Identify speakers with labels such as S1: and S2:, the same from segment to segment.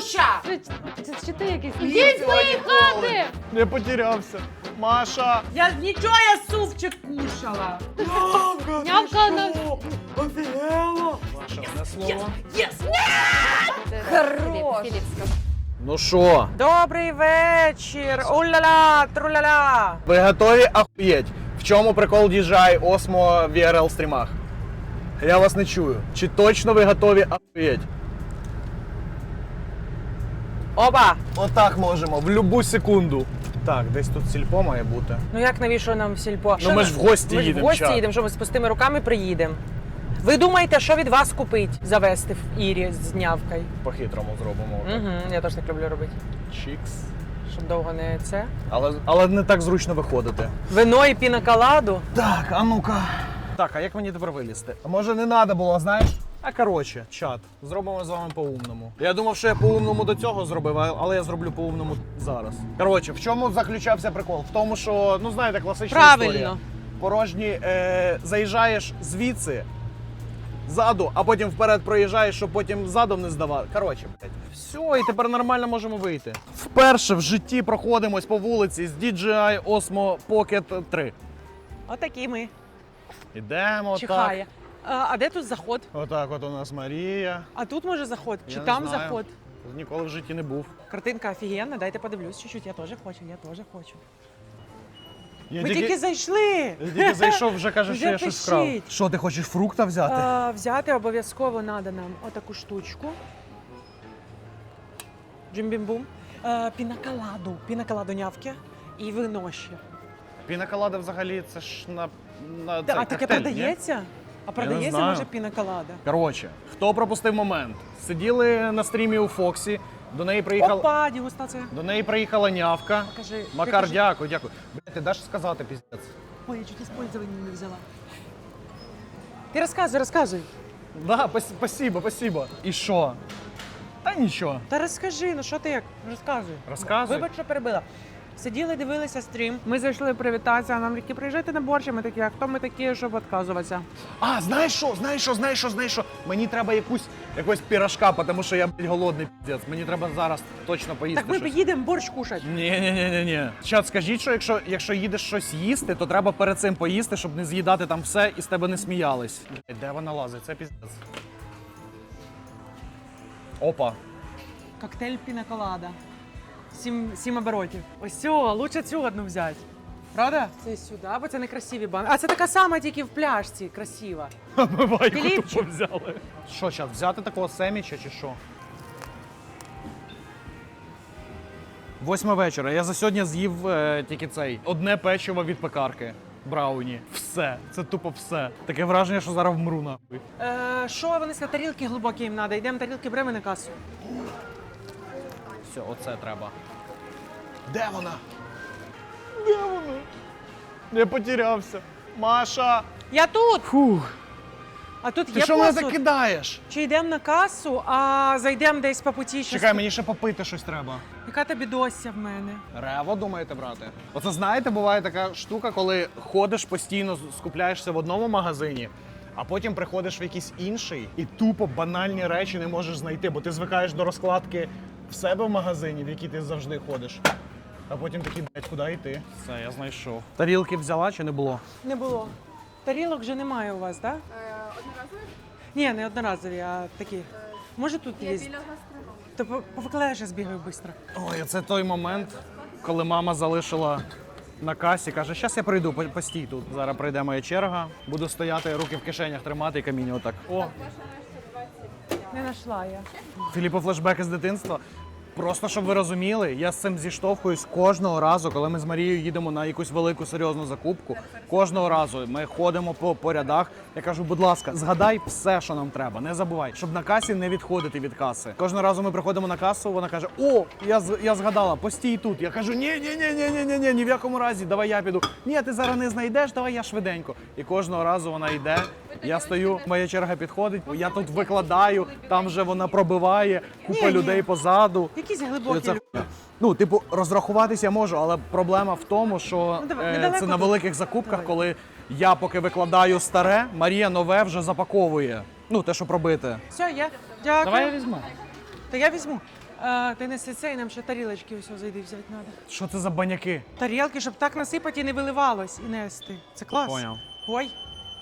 S1: Ксюша!
S2: Чи ти якийсь?
S1: Йдіть з моєї хати!
S3: Не потерявся. Маша!
S1: Я нічого, я супчик кушала.
S2: Нявка на...
S1: Офігела!
S3: Маша, одне слово.
S1: Єс!
S2: Хорош.
S3: Ну що,
S1: Добрий вечір! Уля-ля, труля-ля!
S3: ви готові ахуєть? В чому прикол DJI Osmo в VRL стрімах? Я вас не чую. Чи точно ви готові ахуєть?
S1: Оба!
S3: Отак можемо, в любу секунду. Так, десь тут сільпо має бути.
S1: Ну як навіщо нам в сільпо?
S3: Ну ми ж в гості
S1: Ми ж в
S3: їдемо.
S1: гості
S3: чат.
S1: їдемо, що ми з пустими руками приїдемо. Ви думаєте, що від вас купить завести в Ірі з нявкою?
S3: По-хитрому зробимо. отак.
S1: Угу, я теж так люблю робити.
S3: Чікс.
S1: Щоб довго не це.
S3: Але не так зручно виходити.
S1: Вино і пінаколаду.
S3: Так, а ну-ка. Так, а як мені тепер вилізти? А може не треба було, знаєш? А коротше, чат, зробимо з вами по-умному. Я думав, що я по-умному до цього зробив, але я зроблю по-умному зараз. Коротше, в чому заключався прикол? В тому, що, ну знаєте, класична
S1: Правильно.
S3: історія. Порожні заїжджаєш звідси, ззаду, а потім вперед проїжджаєш, щоб потім задом не здавати. Коротше, блядь. Все, і тепер нормально можемо вийти. Вперше в житті проходимось по вулиці з DJI Osmo Pocket 3.
S1: Отакі ми.
S3: Ідемо
S1: Чихає. А де тут заход?
S3: Отак от у нас Марія.
S1: А тут може заход?
S3: Я
S1: Чи
S3: не
S1: там
S3: знаю.
S1: заход?
S3: Ніколи в житті не був.
S1: Картинка офігенна, дайте подивлюсь чуть-чуть. Я теж хочу, я теж хочу.
S3: Я
S1: Ми тільки зайшли.
S3: я тільки зайшов, вже каже, що
S1: Вже
S3: я щось вкрав.
S1: пишіть.
S3: Що, ти хочеш фрукта взяти?
S1: Взяти обов'язково треба нам отаку штучку. Джимбім-бум. Пінаколаду нявки і вино ще.
S3: Пінаколада взагалі це ж на
S1: А
S3: цей
S1: таке
S3: коктейль, ні?
S1: продається? А продається,
S3: знаю.
S1: може, пінаколада?
S3: Коротше, хто пропустив момент? Сиділи на стрімі у Фоксі, до неї
S1: Опа, дегустація.
S3: приїхала нявка.
S1: Покажи.
S3: Макар,
S1: покажи.
S3: дякую, дякую. Блядь, ти даш сказати, піздець?
S1: Ой, я чуть использование не взяла. Ти розказуй.
S3: Да, спасибо. І що? Та нічого.
S1: Та розкажи, ну що ти як? Розказуй.
S3: Розказуй.
S1: Вибач, що перебила. Сиділи, дивилися стрім. Ми зайшли привітатися, а нам такі, приїжджайте на борщ, а ми такі, а хто ми такі, щоб відказуватися?
S3: А, знаєш що? Мені треба якогось пірожка, тому що я, блядь, голодний, піздець. Мені треба зараз точно поїсти
S1: Так ми
S3: щось.
S1: поїдемо борщ кушати.
S3: Ні. Чат, скажіть, що якщо їдеш щось їсти, то треба перед цим поїсти, щоб не з'їдати там все і з тебе не сміялись. Блядь, де вона лазить? Це піздець. Опа.
S1: Коктейль пінаколада. 7 оборотів. Ось цього, лучше цю одну взяти. Правда? Це сюди, бо це не красиві банки. А це така сама, тільки в пляшці, красива.
S3: Майку
S1: Філіпчик.
S3: тупо взяли. Що, чат, взяти такого семіча чи що? 8 вечора. Я за сьогодні з'їв тільки одне печиво від пекарки. Брауні. Все. Це тупо все. Таке враження, що зараз вмру нахуй.
S1: Що вони сказали, тарілки глибокі їм треба. Йдемо тарілки беремо на касу.
S3: Все, оце треба. Де вона? Я потерявся. Маша!
S1: Я тут!
S3: Фух.
S1: А тут
S3: Ти
S1: є
S3: що мене
S1: посуд?
S3: закидаєш?
S1: Чи йдемо на касу, а зайдемо десь по путі?
S3: Чекай, мені ще попити щось треба.
S1: Яка тобі дося в мене?
S3: Рево думаєте брати? Оце знаєте, буває така штука, коли ходиш постійно, скупляєшся в одному магазині, а потім приходиш в якийсь інший і тупо банальні речі не можеш знайти, бо ти звикаєш до розкладки в себе в магазині, в який ти завжди ходиш. А потім такий, блядь, куди йти? Все, я знайшов. Тарілки взяла чи не було?
S1: Не було. Тарілок вже немає у вас, так?
S4: Одноразові?
S1: Ні, не одноразові, а такі. Може тут
S4: Є
S1: є?
S4: біля гастроному.
S1: То повикладаєш, я збігаю швидко.
S3: Ой, це той момент, коли мама залишила на касі, каже, щас я прийду, постій тут. Зараз прийде моя черга, буду стояти, руки в кишенях тримати і камінь отак. О,
S4: Ваша нижче 20.
S1: Не знайшла я.
S3: Філіппо, флешбеки з дитинства. Просто, щоб ви розуміли, я з цим зіштовхуюсь кожного разу, коли ми з Марією їдемо на якусь велику серйозну закупку. Кожного разу ми ходимо по рядах. Я кажу, будь ласка, згадай все, що нам треба. Не забувай, щоб на касі не відходити від каси. Кожного разу ми приходимо на касу, вона каже: о, я згадала, постій тут. Я кажу, ні, в якому разі, давай я піду. Ні, ти зараз не знайдеш, давай я швиденько. І кожного разу вона йде. Я стою, моя черга підходить, я тут викладаю, там вже вона пробиває, купа
S1: Ні.
S3: людей позаду.
S1: Якісь
S3: І
S1: глибокі.
S3: це хуйня. Ну, типу, розрахуватись я можу, але проблема в тому, що
S1: Ну, давай, недалеко
S3: це на
S1: тут.
S3: великих закупках,
S1: Давай.
S3: коли я поки викладаю старе, Марія нове вже запаковує. Ну, те, що пробити.
S1: Все, я. Дякую.
S3: Давай я візьму.
S1: Та я візьму. Ти неси це і нам ще тарілочки ось зайди взяти треба.
S3: Що це за баняки?
S1: Тарілки, щоб так насипати і не виливалось, і нести. Це клас.
S3: Поняв.
S1: Ой.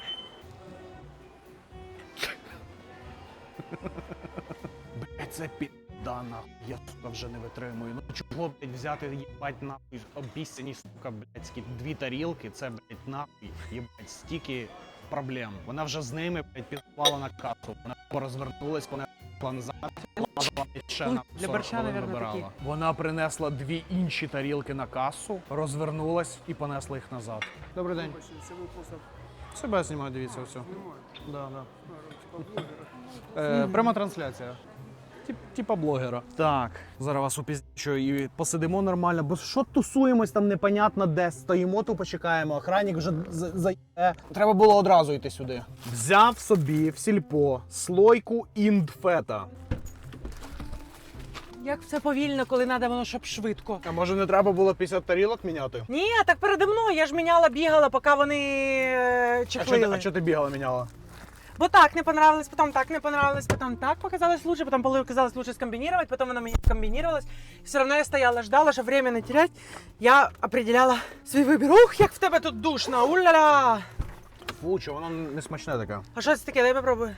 S3: Блять, це піддана. Я сука вже не витримую. Ну чого, блять, взяти, їбать, нахуй, обіцяні, сука, блядські, 2 тарілки, це, блять, нахуй, їбать, стільки проблем. Вона вже з ними, блять, підпала на касу. Вона розвернулась, вона пішла назад, лазила, ще на
S1: Для
S3: 40
S1: борща,
S3: хвилин
S1: наверно,
S3: вибирала.
S1: такі.
S3: Вона принесла 2 інші тарілки на касу, розвернулась і понесла їх назад. Добрий день. Себе знімаю, дивіться, все. Да, да. Пряма трансляція. Типа блогера. Так, зараз вас упіздячу і посидимо нормально, бо що тусуємось там непонятно де, стоїмо, тупо чекаємо, охранник вже заїде. Треба було одразу йти сюди. Взяв собі в сільпо слойку індфета.
S1: Як це повільно, коли треба воно, щоб швидко.
S3: А може не треба було 50 тарілок міняти?
S1: Ні, так передо мною, я ж міняла, бігала, поки вони чехлили.
S3: А чого ти бігала, міняла?
S1: Бо так не понравилось, потом так не понравилось, потом так показалось лучше, потом показалось лучше скомбинировать, потом оно мне скомбинировалось. Все равно я стояла, ждала, чтобы время не терять. Я определяла свій вибір. Ух, як в тебе тут душно, уля-ля!
S3: Фу, чого воно не смачне таке?
S1: А що це таке? Дай попробую.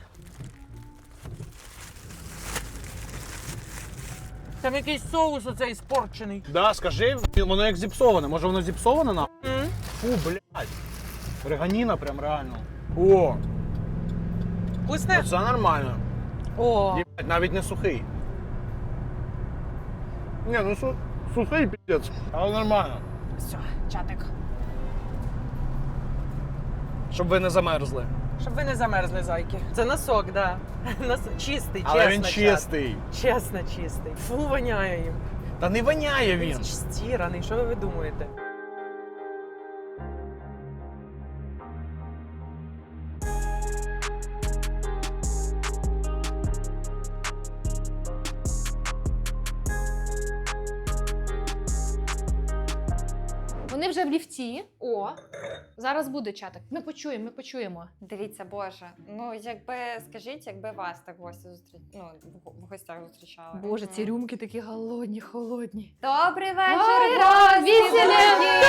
S1: Там якийсь соус оцей спорчений.
S3: Да, скажи, воно як зіпсоване. Може воно зіпсоване на?
S1: М?
S3: Фу, блядь. Реганіна прям реально. О,
S1: Вкусне?
S3: це нормально.
S1: О,
S3: Єбать, навіть не сухий. Ні, ну сухий піздець, але нормально.
S1: все, чатик.
S3: Щоб ви не замерзли.
S1: Щоб ви не замерзли, зайки. Це носок, да. Чистий,
S3: Але
S1: чесно.
S3: він
S1: чат.
S3: чистий.
S1: Чесно, чистий. Фу, воняє їм.
S3: Та не воняє він.
S1: Він стіраний, що ви думаєте?
S2: Вони вже в ліфті. О, зараз буде чатик. Ми почуємо, ми почуємо.
S4: Дивіться, Боже, ну якби скажіть, якби вас так гості в гостях зустрічали.
S2: Боже, ці рюмки такі голодні, холодні.
S4: Добрий вечір,
S2: Ура!
S4: гості!
S2: Веселі!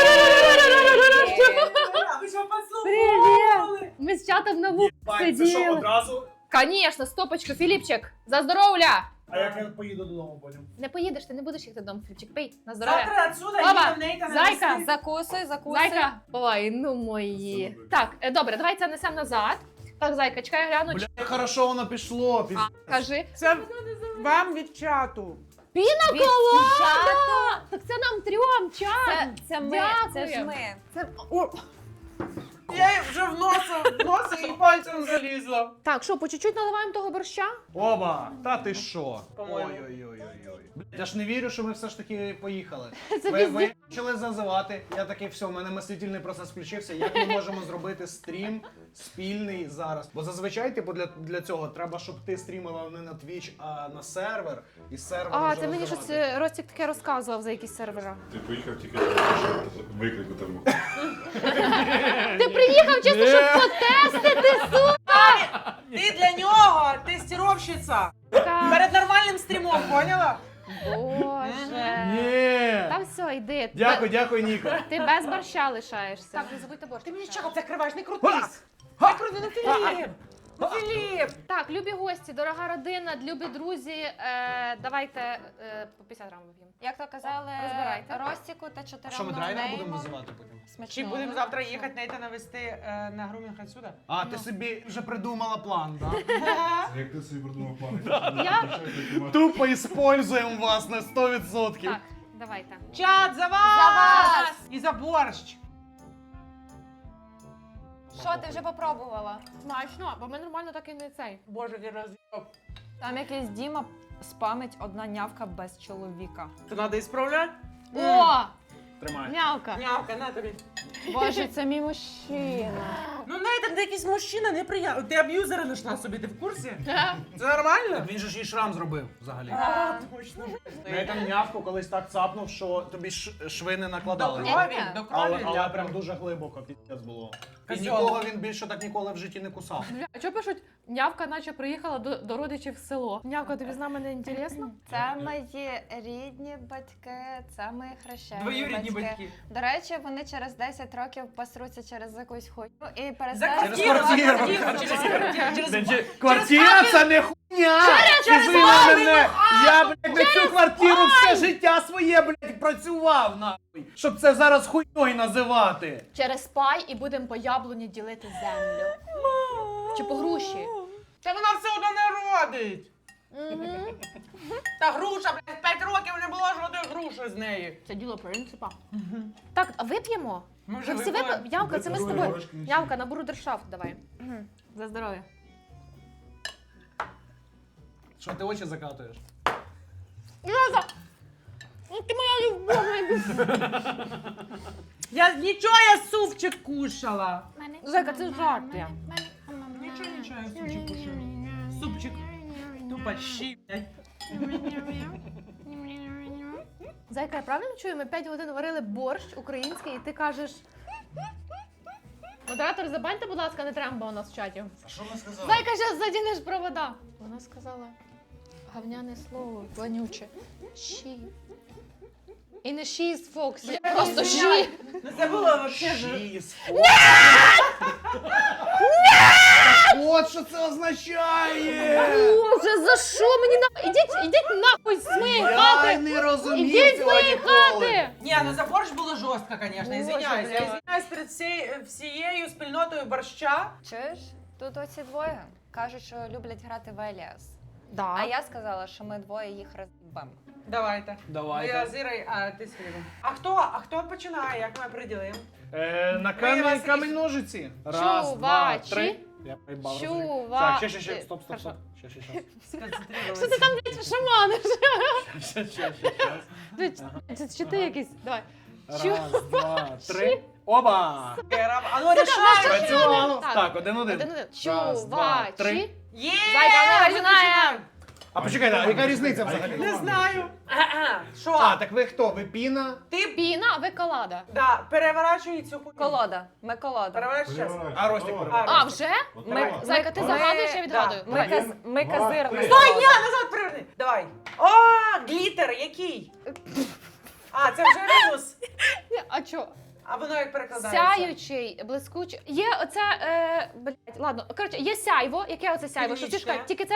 S1: Ви що
S2: Привіт! Ми з чатом на вулиці сиділи.
S3: одразу?
S2: Конечно, стопочку, Філіпчик, за здоров'я!
S3: А як я поїду додому потім?
S2: Не поїдеш, ти не будеш їхати додому, Філіпчик, пий, на здоров'я.
S1: Завтра отсюда
S2: Баба,
S1: їдемо Нейта на
S2: зайка,
S1: весни.
S4: Закусуй, закусуй.
S2: Зайка. Ой, ну мої. Так, добре, давай це несемо назад. Так, зайка, чекай, гляну.
S3: Бля, хорошо воно пішло.
S2: Кажи.
S1: Це вам від чату.
S2: Піна
S4: Від
S2: колода! Так це нам трьом, чат.
S4: Це ми, це ж
S2: Дякую.
S4: ми.
S1: О, я їй вже в носи і пальцем залізла.
S2: Так, що, по чуть-чуть наливаємо того борща?
S3: Оба, та ти що?
S1: По-моєму.
S3: Ой-ой-ой-ой. Я ж не вірю, що ми все ж таки поїхали.
S2: Це
S3: Ви почали зазивати, я такий, все, в мене мислительний процес включився. Як ми можемо зробити стрім спільний зараз? Бо зазвичай, типу, для цього треба, щоб ти стрімила не на Twitch, а на сервер. І сервер
S2: А,
S3: вже
S2: це мені
S3: розвивати.
S2: щось Ростік таке розказував за якісь сервера.
S5: Ти поїхав тільки виклику тому.
S2: Ти приїхав чисто, щоб потестити, сука!
S1: Ти для нього тестировщиця. Перед нормальним стрімом, поняла?
S2: Боже.
S3: Ні!
S2: Та все, йди.
S3: Дякую, Ніко.
S2: Ти без борща лишаєшся.
S1: Так,
S2: не забудьте борщ.
S1: Ти мені чого закриваєш? Не крутись. Не крути, ну Філіп. Ну Філіп.
S2: Так, любі гості, дорога родина, любі друзі, давайте по 50 грам вип'ємо.
S4: Як то казали,
S2: Розбирайте.
S4: Ростіку та
S3: А
S4: чотирьом
S3: що, ми драйвер
S4: ноунеймам.
S3: будемо називати потім?
S4: Смачного.
S1: Чи будемо завтра їхати Нейта навести на грумінг отсюда?
S3: А, ти собі вже придумала план, так?
S5: Як ти собі придумав план?
S3: Тупо іспользуємо вас на 100%.
S2: Так, давайте.
S1: Чат, за вас!
S4: За вас!
S1: І за борщ.
S4: Що, ти вже попробувала?
S2: Смачно, бо ми нормально так і не цей.
S1: Боже, я роз'їбав.
S4: Там якийсь Діма спамить одна нявка без чоловіка.
S1: Це треба ісправляти?
S2: О,
S3: Тримай.
S2: м'явка.
S1: Нявка, на тобі.
S4: Боже, це мій мужчина.
S1: Ну Нейт там якийсь мужчина неприємний. Ти аб'юзера знайшла собі, ти в курсі? Це нормально?
S3: Він же ж їй шрам зробив взагалі.
S1: А, точно.
S3: Я там нявку колись так цапнув, що тобі шви не
S1: До
S3: накладали.
S1: крові, до
S3: Але
S1: крові.
S3: прям дуже глибоко піздець було. І
S1: Козьол.
S3: нікого він більше так ніколи в житті не кусав.
S2: Бля, а чого пишуть, нявка наче приїхала до родичів в село? Нявка, тобі з нами не інтересно?
S4: Це мої рідні батьки, це мої хрещені
S1: Двоюрідні батьки.
S4: До речі, вони через 10 років посруться через якусь хуйню і
S1: За
S4: перестануть...
S1: квартиру.
S3: квартиру.
S1: Через квартиру. Через
S3: Квартира це не хуйня!
S1: через
S3: Ти
S1: мамину
S3: мене! Я, блядь, на цю квартиру все життя своє, блядь, працював, нахуй! Щоб це зараз хуйньою називати!
S2: Через пай і будемо по яблуні ділити землю. Чи по груші.
S1: Та вона все одно не родить. Та груша, блядь, 5 років не було жодної груші з неї.
S2: Це діло принципа. Так, а вип'ємо?
S1: Ми вже
S2: Вже всі
S1: випили.
S2: випили? Явка, це ми з
S5: Другої
S2: тобою.
S5: ложки не
S2: Явка, на брудершафт давай. За здоров'я.
S3: Що ти очі закатуєш?
S2: Льоза! Ну ти моя любов.
S1: Я супчик кушала.
S2: Зайка, це жарти.
S1: Нічого, я супчик кушала. Супчик. Тупо щі, блядь.
S2: Зайка, я правильно чую? Ми 5 годин варили борщ український, і ти кажеш... Модератор, забаньте, будь ласка, не тремба у нас в чаті.
S3: А що ми сказали?
S2: Зайка, зараз задінеш провода. Вона сказала гавняне слово, вонюче. Щі. І не щі з Фоксі, просто щі.
S1: Ну це було вообще ж.
S3: Чіз. От що це означає!
S2: Боже, за що мені на... Ідіть нахуй з моєї
S3: Я
S2: хати!
S3: не розумів
S2: Ідіть з
S3: цього
S2: моєї
S3: ніколи.
S2: хати!
S1: Ні, ну за борщ було жорстко, звісно,
S2: Боже,
S1: извиняюсь. Я
S2: блядь.
S1: извиняюсь перед всією спільнотою борща.
S4: Чуєш? Тут оці двоє кажуть, що люблять грати в Еліас.
S2: Да.
S4: А я сказала, що ми двоє їх роз'їбемо.
S1: Давайте.
S3: Давайте.
S1: Я з Ірою, а ти з Філіпом. А хто починає, як ми приділимо?
S3: На
S1: Ми вас
S3: камінь ножиці. Раз, два,
S2: Чувачі.
S3: три. Я проїбав.
S2: Чува-
S3: Так, ще. Стоп.
S2: Хорошо.
S3: Ще.
S2: Що ти там, блядь, шаманиш?
S3: Ще.
S2: Це чи ти якийсь? Давай.
S3: Раз, два, три. Оба!
S1: А ну рішай!
S3: Працювало.
S2: Так.
S3: Так, один. Раз, два, три.
S2: Чувачі.
S1: Є!
S2: Зайка,
S1: ми
S2: не починаємо.
S1: починаємо.
S3: А почекайте, а яка різниця взагалі?
S1: Не знаю. Що?
S3: А, так ви хто? Ви піна?
S1: Ти
S2: Піна, а ви колада.
S1: да, переворачуй цю хуйню.
S4: Колода. Ми колода.
S1: Переворачуй зараз.
S3: А, Ростик
S5: Давай.
S3: переворачуй.
S2: А, вже?
S4: Ми-
S2: Зайка, ти
S4: ми-
S2: загадуєш, я відгадую.
S1: да.
S2: Давай.
S4: Ми
S5: Два,
S4: казирна
S5: три.
S1: Стой, ні,
S4: колода.
S1: назад приверни. Давай. О, глітер, який? А, це вже мінус.
S2: А чо?
S1: А воно як перекладається?
S2: Сяючий, блискучий. Є оце, блядь, ладно. Коротше, є сяйво. Яке оце сяйво? Що ти
S1: Північне.
S2: ж тільки це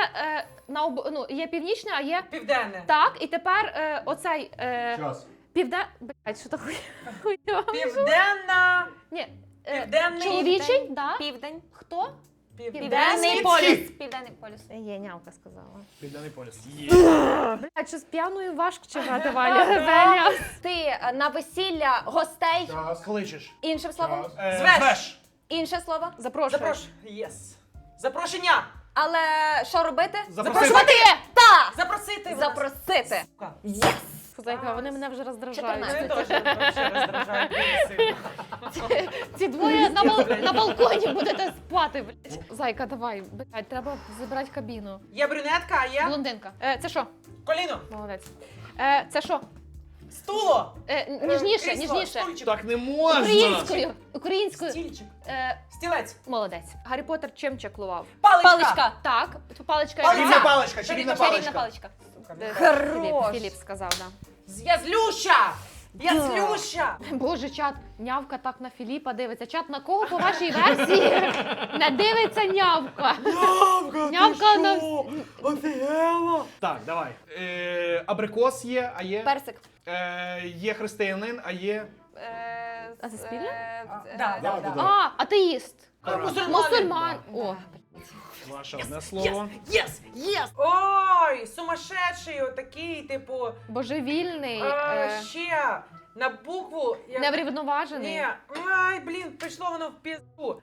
S2: є північне, а є
S1: Південне.
S2: так. І тепер оцей
S5: Час.
S2: блядь, що то хуйня?
S1: Південна.
S2: Ні.
S1: Південний.
S2: Чоловічий, да?
S4: Південь.
S2: Хто?
S4: Південний
S1: Схід.
S4: полюс. Південний полюс.
S2: Є, нявка сказала.
S3: Південний полюс.
S2: Блядь, що з п'яною важко чекати, Валя. Веля.
S4: Ти на весілля гостей.
S5: Час.
S3: Кличеш.
S4: Іншим словом.
S5: Час.
S1: Звеш.
S4: Інше слово.
S2: Запрошую.
S1: Запрошую. Єс. Запрошення.
S4: Але що робити?
S3: Запросити.
S4: Та!
S1: Запросити.
S4: Запросити.
S1: Сука.
S4: Єс!
S2: Зайка, вони мене вже роздражають.
S1: Мене
S4: 14.
S1: теж вообще роздражають дуже сильно.
S2: Ці двоє на балконі будете спати, блядь. Зайка, давай, блядь, треба забирати кабіну.
S1: Є брюнетка, а є
S2: Блондинка. Це що?
S1: коліно.
S2: Молодець. Це що?
S1: Стуло.
S2: Ніжніше,
S1: Крісло,
S2: ніжніше.
S1: стульчик.
S3: Так не можна.
S2: Українською. Українською.
S1: Стільчик.
S2: Е,
S1: Стілець.
S2: Молодець. Гаррі Поттер чим чаклував?
S1: Паличка.
S4: Паличка.
S2: Так, паличка.
S1: Палиця.
S3: Паличка, чарівна
S4: Чарівна
S3: паличка.
S4: паличка. Хорош.
S2: Філіп сказав, да.
S1: Я злюща. Я злюща.
S2: Боже, чат, нявка так на Філіпа дивиться. Чат, на кого по вашій версії не дивиться нявка? Нявка на...
S1: Офігела.
S3: Так, давай. Абрикос є, а є.
S4: Персик.
S3: Є християнин, а є.
S2: А це спільне?
S1: Да.
S2: А, атеїст.
S1: Мусульманин.
S2: Мусульман. О,
S3: Ваше одне слово.
S1: Єс, єс. Ой, сумасшедший отакий, типу,
S2: божевільний,
S1: ще на букву.
S2: неврівноважений.
S1: Ні, ай, блін, пішло воно в пізду.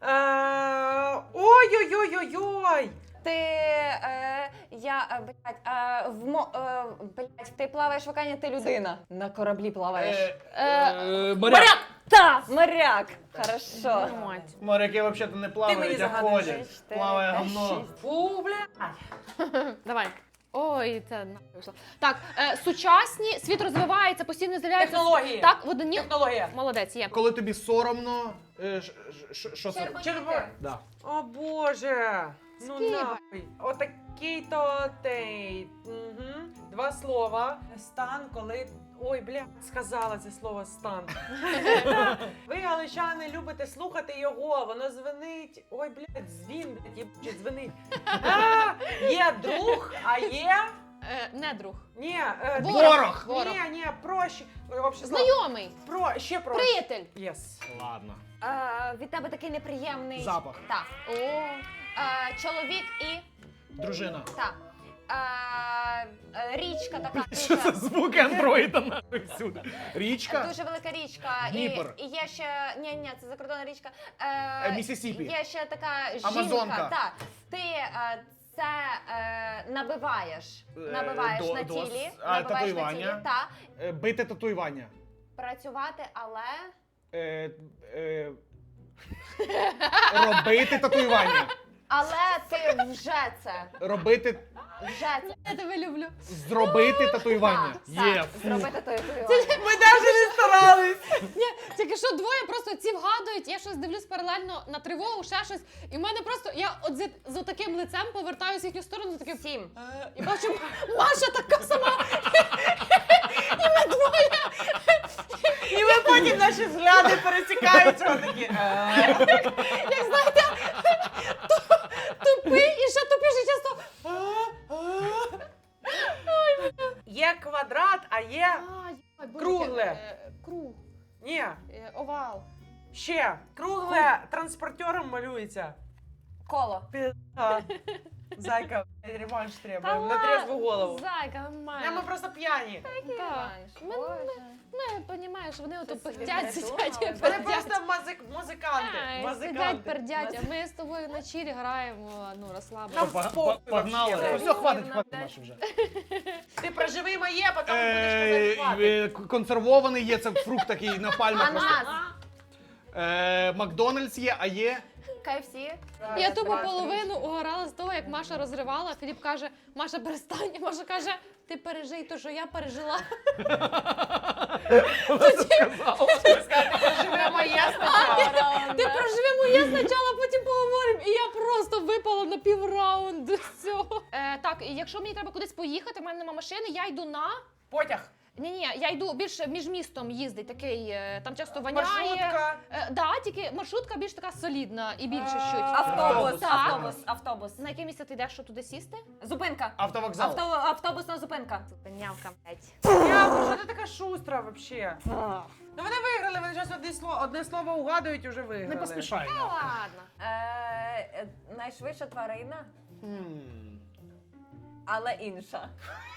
S1: Ой-ой-ой-ой-ой.
S4: Ти, блядь, ти плаваєш в океані, ти людина. На кораблі плаваєш.
S3: Моряк.
S4: Та, моряк. Хорошо.
S3: Моряки взагалі не плавають,
S1: мені
S3: а
S1: загадуєш.
S3: ходять. Плаває говно.
S1: Фу, блядь.
S2: Давай. Ой, це нахуй вийшло. Так, сучасні, світ розвивається, постійно з'являються.
S1: Технології.
S2: Так, в одні.
S1: Технологія.
S2: Молодець, є.
S3: Коли тобі соромно, що це?
S1: Червоно.
S3: Да.
S1: О боже. Ну
S2: Скиба.
S1: нахуй. Отакий-то тей. Угу. Два слова. Стан, коли. Ой, бля, сказала це слово стан. Ви, галичани, любите слухати його, воно дзвенить. Ой, блядь, дзвін, блядь, їбучий, дзвенить. Є друг, а є.
S2: Не друг.
S1: Ні,
S3: Ворог.
S2: Ворог.
S1: Ні, проще. Ой, вообще слово.
S2: Знайомий.
S1: Ще проще.
S2: Приятель.
S1: Єс.
S3: Ладно.
S4: Від тебе такий неприємний
S3: Запах.
S4: Так.
S2: О.
S4: Чоловік і
S3: Дружина.
S4: так. Річка така.
S3: Що це звуки андроїда нахуй всюди? Річка?
S4: Дуже велика річка.
S3: Дніпр.
S4: І є ще. Ні, це закордонна річка.
S3: Місісіпі.
S4: Є ще така жінка.
S3: Амазонка.
S4: Так. Ти це набиваєш. Набиваєш на тілі. Набиваєш на тілі.
S3: Татуювання.
S4: Так.
S3: Бити татуювання.
S4: Працювати, але.
S3: Робити татуювання.
S4: Але ти вже це.
S3: Робити.
S4: Вже це.
S2: Я тебе люблю.
S3: Зробити татуювання.
S4: Так,
S3: Є.
S4: так,
S3: Фу.
S4: зробити татуювання.
S1: Ми навіть не старались.
S2: Ні, тільки що двоє просто ці вгадують, я щось дивлюсь паралельно на тривогу, ще щось. І в мене просто, я от з таким лицем повертаюся в їхню сторону, таким.
S4: 7.
S2: І бачу, Маша така сама. І ми двоє.
S1: І ви потім наші взгляди пересікаються. Такі.
S2: Як знаєте, тупий і ще тупіше часто.
S1: Є квадрат, а є. Кругле.
S2: Круг.
S1: Ні.
S2: Овал.
S1: Ще. Кругле транспортером малюється.
S4: Коло.
S1: Пизда. Зайка, реванш
S2: Та
S1: треба. На
S2: ладно,
S1: трезву голову.
S2: Зайка,
S1: Ми
S2: нормально.
S1: просто п'яні.
S2: Так. Ми, розумієш, вони ото пихтять, сидять і
S1: Вони
S2: пердять.
S1: просто музиканти.
S2: Сидять,
S1: Музиканти.
S2: пердять, а ми з тобою на чілі граємо, ну,
S1: Нам
S2: розслаблено.
S1: похуй
S3: Погнали.
S1: вообще.
S3: Все, хватить Маші вже.
S1: Ти проживи моє, потім будеш казати.
S3: Консервований є, це фрукт такий на пальмах.
S4: Ананас.
S3: Макдональдс є, а є.
S4: KFC.
S2: Я тупо половину угорала з того, як Маша розривала. Філіп каже, Маша, перестань. І Маша каже, ти пережий те, що я пережила.
S1: Проживи моє спочатку.
S2: Ти проживи моє спочатку, потім поговоримо. І я просто випала на півраунду з цього. Так, і якщо мені треба кудись поїхати, в мене нема машини, я йду на...
S1: Потяг.
S2: Ні, я йду більше між містом їздить, такий, там часто воняє.
S1: Маршрутка.
S2: Да, тільки маршрутка більш така солідна і більше щось.
S4: Автобус.
S2: Так.
S4: Автобус.
S2: На яке місце ти йдеш, щоб туди сісти?
S4: Зупинка.
S3: Автовокзал.
S4: Автобусна зупинка.
S2: Зупинявка, блядь.
S1: Я, що ти така шустра вообще? Ну вони виграли, вони зараз одне слово угадують і вже виграли.
S3: Не поспішай.
S2: Ладно.
S4: Найшвидша тварина, але інша.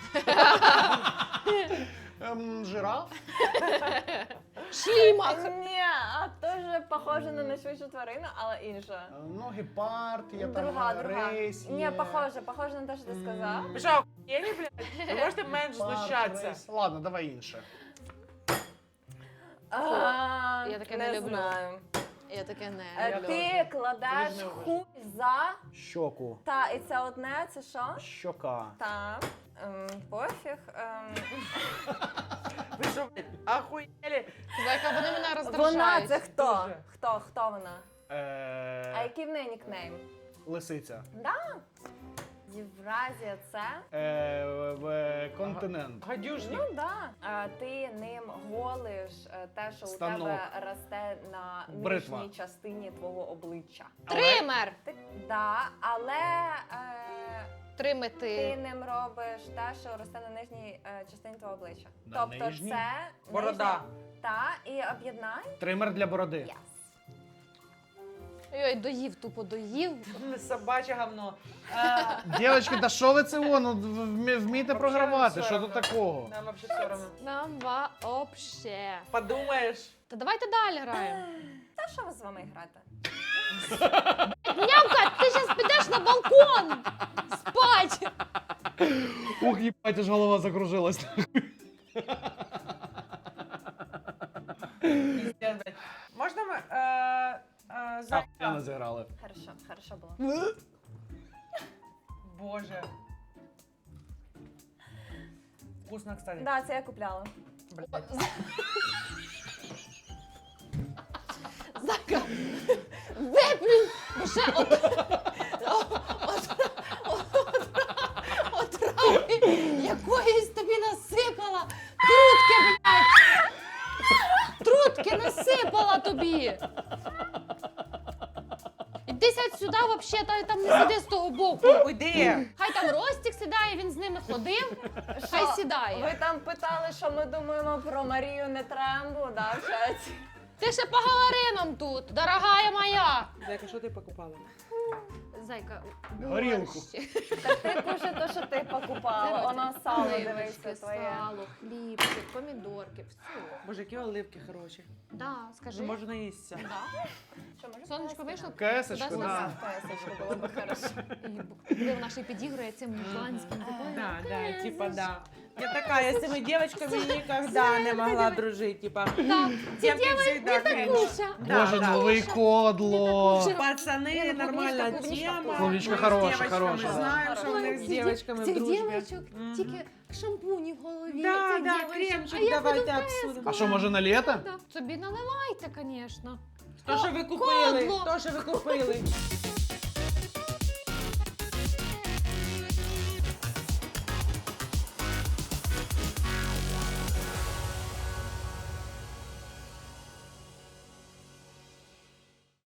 S3: Жираф.
S2: Шлімак.
S4: Ні, а теж похоже на найшвидшу тварину, але інша.
S3: Ну, гепард, є там
S4: Друга.
S3: рейс.
S4: Ні,
S3: є.
S4: похоже на те, що ти сказав.
S1: Ви що, охуєнні, блядь? Ви можете менш знущатися?
S3: Рейс. Ладно, давай інше.
S2: Я таке не люблю.
S4: Знаю.
S2: Я таке не.
S4: Ти кладеш
S3: Ти ж не
S4: хуй за
S3: Щоку.
S4: та і це одне, це що?
S3: Щока.
S4: Та. Пофіг.
S1: Ви що, блядь, охуєлі?
S2: Зайка, вони мене
S4: Вона
S2: роздражають.
S4: це хто?
S1: Дуже.
S4: Хто вона? А який в неї нікнейм?
S3: Лисиця.
S4: Да? Євразія це?
S3: Континент.
S1: Гадюшник.
S4: Ну да. Ти ним голиш те, що
S3: Станок.
S4: у тебе росте на
S3: Бритва.
S4: нижній частині твого обличчя.
S2: Тример.
S4: Да, але ти
S2: Тримити.
S4: ним робиш те, що росте на нижній частині твого обличчя.
S3: На
S4: Тобто
S3: нижній?
S4: це
S1: Борода.
S4: нижня- Та, і об'єднай.
S3: Тример для бороди.
S4: Yes.
S2: Ой, доїв, тупо доїв.
S1: Собаче говно.
S3: Дівчатки, та що ви це воно? Вмійте програвати,
S1: все
S3: що тут
S1: равно.
S3: такого?
S1: Нам вообще все равно.
S2: Нам вообще.
S1: Подумаєш.
S2: Та давайте далі граємо.
S4: Та що ви з вами грати?
S2: Нявка, ти зараз підеш на балкон спать.
S3: Ух, їбать, аж голова закружилась.
S1: Пиздец, блядь.
S3: сказали.
S4: Хорошо було.
S1: Боже. Вкусно, кстати.
S4: Да, це я купляла.
S1: Блядь.
S2: Зайка, виплюнь! Бо ще отрави якоїсь тобі насипала. Трутки, блядь! Трутки насипала тобі! Іди сядь сюди, вообще, там не сиди з того боку.
S1: Уйди.
S2: Хай там Ростік сідає, він з ними ходив, хай сідає.
S4: Ви там питали, що ми думаємо про Марію Нетрембу, да, в чаті?
S2: Ти ще по галаринам тут, дорогая моя.
S1: Зайка, що ти покупала?
S2: Зайка,
S3: Горілку.
S2: борщ.
S4: Так ти кушай те, що ти покупала, воно сало,
S2: Оливочки,
S4: дивися, твоє.
S2: сало, хлібчик, помідорки, все.
S1: Боже, які оливки хороші.
S2: Да, скажи.
S1: Можу наїстися.
S2: Да.
S4: Що, може,
S2: Сонечко вийшло?
S3: Кесочку,
S2: Туди-сюди.
S3: да.
S4: Кесочку було б хорошо.
S2: І диви, вона ще й підігрує цим мужланським.
S1: Да, типа, да. Я такая, с этими девочками никогда не могла дружить, типа.
S2: Так, ці
S1: Девки
S2: дівчатки
S1: всегда кринж.
S2: Куся.
S1: Да,
S3: Боже,
S1: да.
S3: новий кодло.
S1: Пацаны,
S2: ну,
S1: нормальная
S2: клубничка,
S1: тема.
S3: клубничка
S1: Мы с
S3: хорошая,
S1: девочками
S3: хорошая, да.
S1: знаем, что у них с девочками в
S2: Цих
S1: дружбе.
S2: дівчаток
S1: Мгм.
S2: тільки шампуні в голові.
S1: Да,
S2: цих
S1: да,
S2: дівчаток.
S1: кремчик
S2: А я
S1: давайте
S2: буду
S1: обсудим.
S3: А що, може на літо?
S2: Да. Собі наливайте, звісно.
S1: То, що ви купили,
S2: Кодло.
S1: то, що ви купили.